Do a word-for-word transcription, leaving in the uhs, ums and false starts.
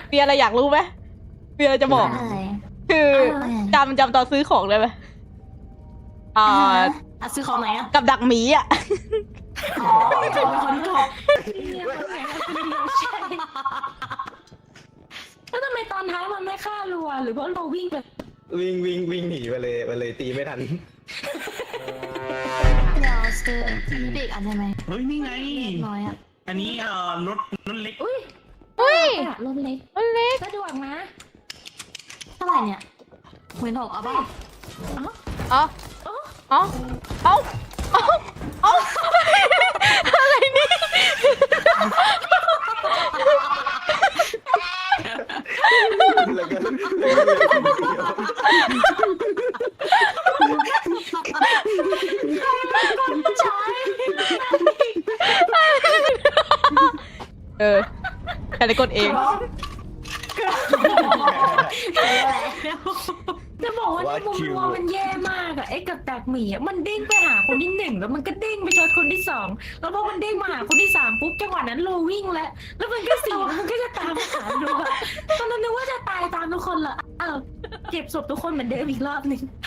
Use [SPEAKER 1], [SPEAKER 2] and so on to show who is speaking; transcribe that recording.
[SPEAKER 1] มีอะไรอยากรู้ไหมมีอะไรจะบอก
[SPEAKER 2] อะไร
[SPEAKER 1] คือจำจำตอนซื้อของได้ไหมอ่า
[SPEAKER 2] อ่ะซื้อของไหนอ่ะ
[SPEAKER 1] กับดักหมีอ่ะ
[SPEAKER 2] อ๋อจบเป็นคนจบ
[SPEAKER 3] เนี่ยคนไหนคนเดียวใช่แล้วทำไมตอนท้ายมันไม่ฆ่ารัวหรือว่าเราวิ่งแบบ
[SPEAKER 4] วิ่งวิ่งวิ่งหนีไปเลยไปเลยตีไม่ทัน
[SPEAKER 2] เดี๋ยวซื้อปีกอันได้ไหม
[SPEAKER 5] เฮ้ยนี่ไง
[SPEAKER 2] น้อยอ่ะ
[SPEAKER 5] อันนี้เอ่อรถรถเล็ก
[SPEAKER 3] อุ้ย
[SPEAKER 1] อุ้ย
[SPEAKER 3] อะรถเล็ก
[SPEAKER 1] มันเล็ก
[SPEAKER 3] สะดวกนะ
[SPEAKER 2] เท่าไหร่เนี่ยหมื่นหกเอาป่ะ
[SPEAKER 1] เอ๋อเอ๋อเอ้าเอ้าเอ้าอะไรนี่
[SPEAKER 4] แล้วก็แล้วก็เหลือคนเดียว
[SPEAKER 2] ใช่
[SPEAKER 1] เออแต่ในกดเอง
[SPEAKER 3] จะบอกว่าในมุมมองมันแย่มากอะไอ้กับดักหมีอะมันเด้งไปหาคนที่หนึ่งแล้วมันก็เด้งไปชนคนที่สองแล้วพอมันเด้งมาหาคนที่สามปุ๊บจังหวะนั้นโลวิ่งแล้วแล้วมันก็สี่มันก็จะตามหาโลอะตอนนั้นนึกว่าจะตายตามทุกคนละอ้าวเก็บศพทุกคนเหมือนเดิมอีกรอบหนึ่ง